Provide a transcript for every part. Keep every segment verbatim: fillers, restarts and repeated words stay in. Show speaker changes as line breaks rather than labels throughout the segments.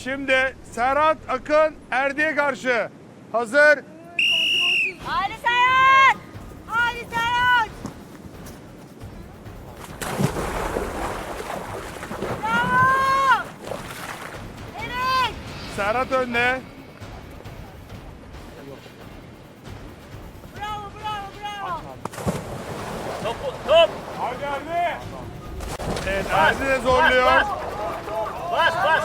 Şimdi Serhat Akın Erdi'ye karşı. Hazır.
Ali Serhat! Ali Serhat! Bravo! Evet!
Serhat önde.
Bravo, bravo, bravo!
Top, top.
Hadi Erdi. Evet Erdi de zorluyor.
Bas, bas. Bas.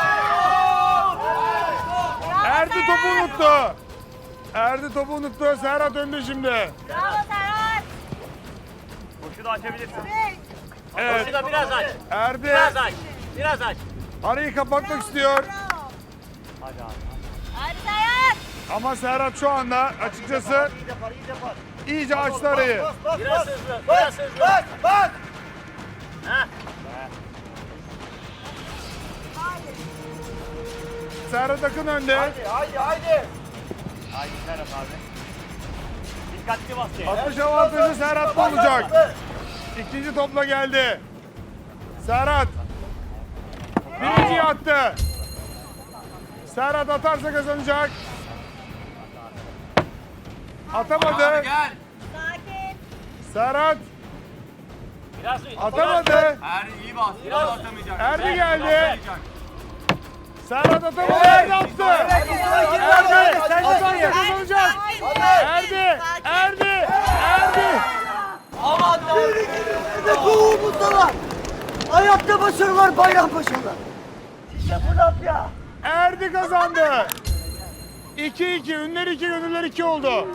Erdi topu unuttu. Erdi topu unuttu. Serhat önde şimdi.
Bravo Serhat!
Koşu da açabilirsin.
Evet!
Evet.
Koşu da biraz aç.
Erdi
Biraz aç. Biraz aç.
arayı kapatmak istiyor.
Bravo!
Hadi abi.
Ali Serhat!
Ama Serhat şu anda açıkçası
İyi yapar, iyi yapar.
iyice açtı arayı.
Biraz hızlı, biraz hızlı. Bak, bak. Heh.
Serhat Akın önde.
Haydi, haydi. Haydi Serhat abi. Dikkatli bas ya.
Atış avantajı Serhat'ta olacak. İkinci topla geldi. Serhat. Birinciyi attı. Serhat atarsa kazanacak. Atamadı.
Sakin!
Serhat
Biraz
atamadı.
Erdi iyi bas. Biraz atamayacak.
Erdi geldi. Serhat atamadı. Erdi attı. Erdi. Atarsa kazanacak. Erdi. Erdi. Erdi.
Ne kovumuzda var. Hayatta başarılar, bayram başarılar. Size bu laf ya.
Erdi kazandı. iki iki. Ünler iki, gönüller iki oldu.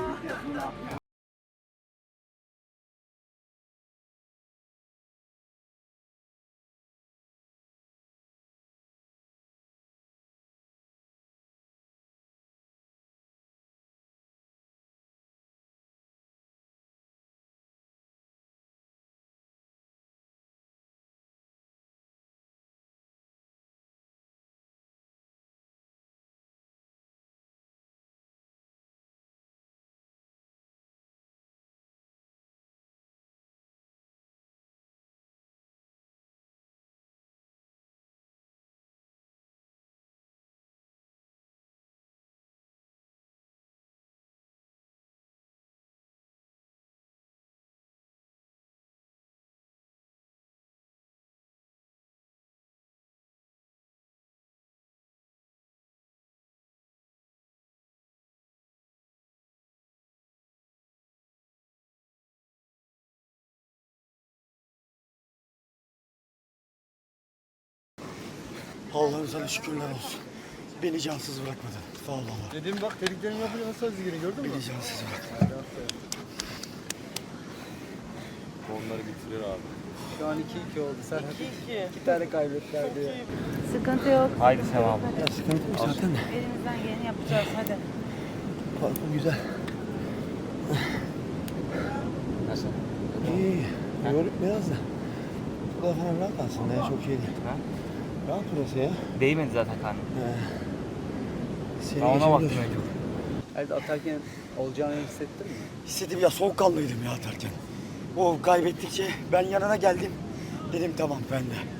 Allah'ım sana şükürler olsun. Beni cansız bırakmadın. Sağ ol Allah.
Dedim bak dediklerimi yapıyor nasıl özgürlüğünü gördün mü?
Beni cansız bırakmadın.
Onları bitirir abi.
Şu an iki iki oldu. Sen iki iki. İki tane kaybettiler diyor.
Sıkıntı yok.
Haydi Sevam.
Ya sıkıntı yok zaten de.
Elimizden geleni yapacağız. Hadi.
Parkım güzel.
Nasıl?
İyi. Yorup biraz da. Bu da falan rahat aslında ya. Çok şey değil.
Ha?
Rahat burası ya.
Değmedi zaten karnım.
Seni
Ben ona baktım
geçebiliyor.
önce.
Evet atarken olacağını hissettin mi?
Hissettim ya, soğukkanlıydım ya atarken. O kaybettikçe ben yanına geldim. Dedim tamam ben de.